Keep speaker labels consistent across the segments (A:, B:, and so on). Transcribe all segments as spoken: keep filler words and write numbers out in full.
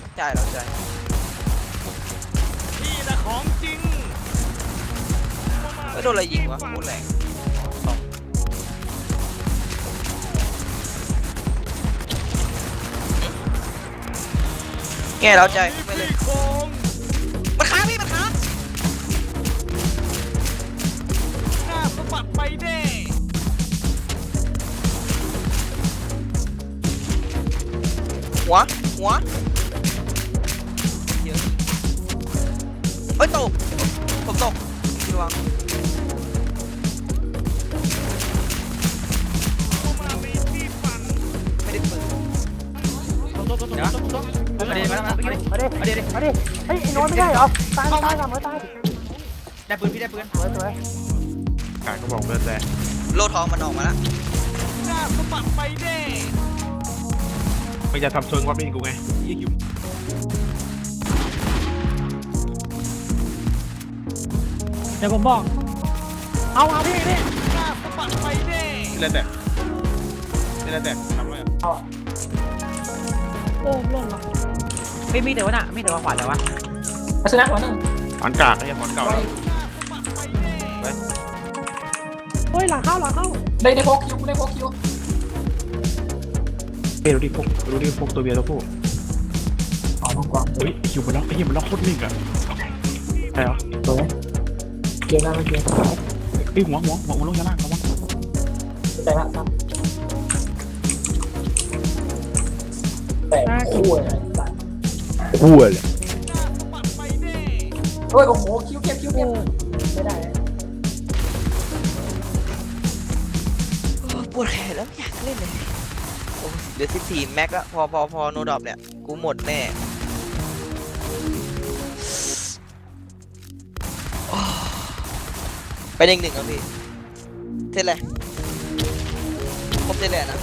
A: จ่ายเราจ่าย
B: นี่แหละของจริง
A: ไม่โดนอะไรยิงวะโคตรแรงแง่เราใจไปเลยมันค้างพี่มันค้าง
B: หน้าสะบัดไปเด้
A: หัวหัวเยอะเฮ้ยตกผมตกระวังไม่ได้ปืน
C: มาดิมาดิมาดิมาดิมาดิมาดิ
D: เฮ้ยไอ้โน้ตไม่ได้เหรอตายตายตายตาย
C: ได้ปืนพี่ได้ปืน
D: สวยสวย
E: การก็บอกเลิศแหละ
A: โลทองมันออกมาแล้ว
B: หน้าสะบัดไปเด้
E: ไม่จะทำเชิงว่าเป็นกูไง
D: เดี๋ยวผมบอกเอาเอาพี่พี่
B: หน้าสะบัดไปเด้
E: เล่นแต่เล่นแต่ทำอะไร
D: โอ้ล่นละ
C: ไม่มีแต่ว่าน่ะไม่แต่ว่าขวานแต่ว่า
D: ชนะหัวหนึ่ง
E: หอนกากไอ้หอนเก่าแล้ว
D: เฮ้ยหลังเข้าหลังเข้า
F: ได้ได้พกคิวได้พกคิว
E: เฮ้ยดูดิพวกดูดิพวกตัวเบียร์ตัวผู้
F: อ๋อพกกว่า
E: เฮ้ยคิวมันล็อกไอ้เหี้ยมันล็อกโคตรนิ่งอะใช่เหรอ
F: สวยเกียร์หน้าไม่เกียร์
E: ไอ้หัวหัวหัวหัวลงชั้นล่างระวัง
F: แต่ละครับแต่คู่เลยสัตว์
E: คู่เลย
F: เฮ้ยโอ้โหคิวเก็บคิวเก็บไม่ได้
A: ปวดแขนแล้วอยากเล่นเลยโอ้เดี๋ยวสิบสี่แม็กแล้วพอพอพอโนดอปเนี่ยกูหมดแน่ไปหนึ่งหนึ่งครับพี่เท่าไรครบเท่าไรนะ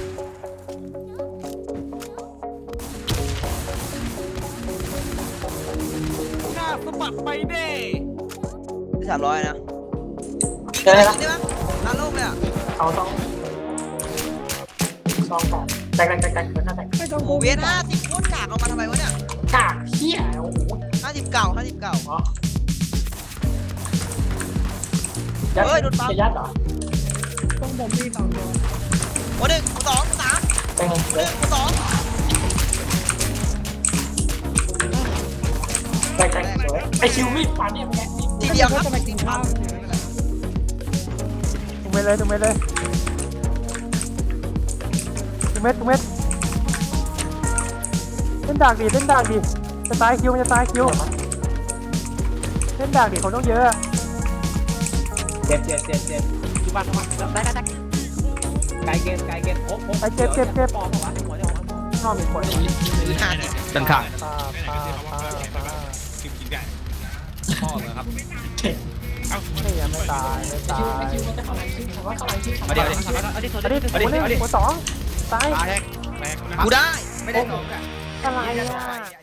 B: หน้าสะบัดไปเด้
A: สามร้อยนะ
F: เจออะไรละ
A: ได้ไหมร้านโลกเลยอ่ะ
F: เอาต้องซองก่อนแตกแตกแตกแตกแตกแตก
D: ไม่ต้อง
A: โอ้เวียนห้าสิบโคตรกากเอามาทำไมวะเนี่ย
F: กากเหี้ยโอ้โห
A: ห้าสิบเก่าห้าสิบเก่า
F: ยัดจะยัดเหรอ
D: ต้องบ่มพี่สองตัว
A: หัวหนึ่งหัวสองหัวสาม
F: เป็นไง
A: หัวหนึ่งหัวสอง
F: แตกแตกสวยไอคิวมีดฟันเนี่ยเป็นไง
A: ทีเดียวครับ
D: จะไปกินข้าวถูกเม็ดเลยถูกเม็ดเลยถูกเม็ดถูกเม็ดเล่นดากดิเล่นดากดิจะตายคิวมันจะตายคิวเล่นดากดิเขาต้องเยอะ
C: เจ็บเจ็บเจ็บเจ็บจุบันมาได้ได้ได้ไกลเกมไกลเกมโอ้โห
D: ไอ้เจ็บเจ็บเจ็บ
C: ปอมหัวหัวเดียวน
D: อกมีคน
A: คือห้าสิบ
E: ตันขาด
D: ปาปาปาปา
E: กินกินได้
C: พ่อเหรอครับ
D: ไม่ยังไม่ตายไม่ตา
F: คิวย ไอคิวมันจะเข้าไหนคิวผมว่าเข้าไหนคิว
C: มาเดี๋ยวเอาดิเอาดิ
D: อันนี้หัวหนึ่งหัวสองตาย
E: ตายแรกแรกนะ
A: กูได้
C: ไม่ได้ลงอ่ะ
D: อะไรอ่ะ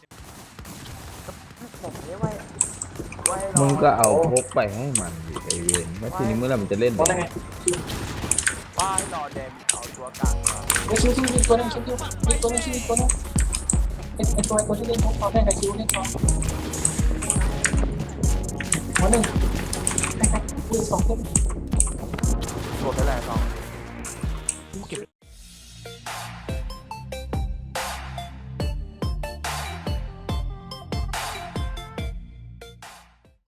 D: ผมเรียกว่าไว้รอ
G: มึงก็เอาพกไปให้มันดิไอเวนว่าทีนี้เมื่อไหร่มันจะเล่น
F: โอ้ได้ไง
D: ป้ายรอแดงเอาตัวกลาง
F: ไอคิวคิวมีตัวนึงคิวคิวมีตัวนึงคิวมีตัวนึงไอไอตัวไอตัวที่เล่นพกเขาได้กับคิวเล่นพอหัวหนึ่งแตกแตกคิวสองเล่น
D: ตัวไปแหละสอง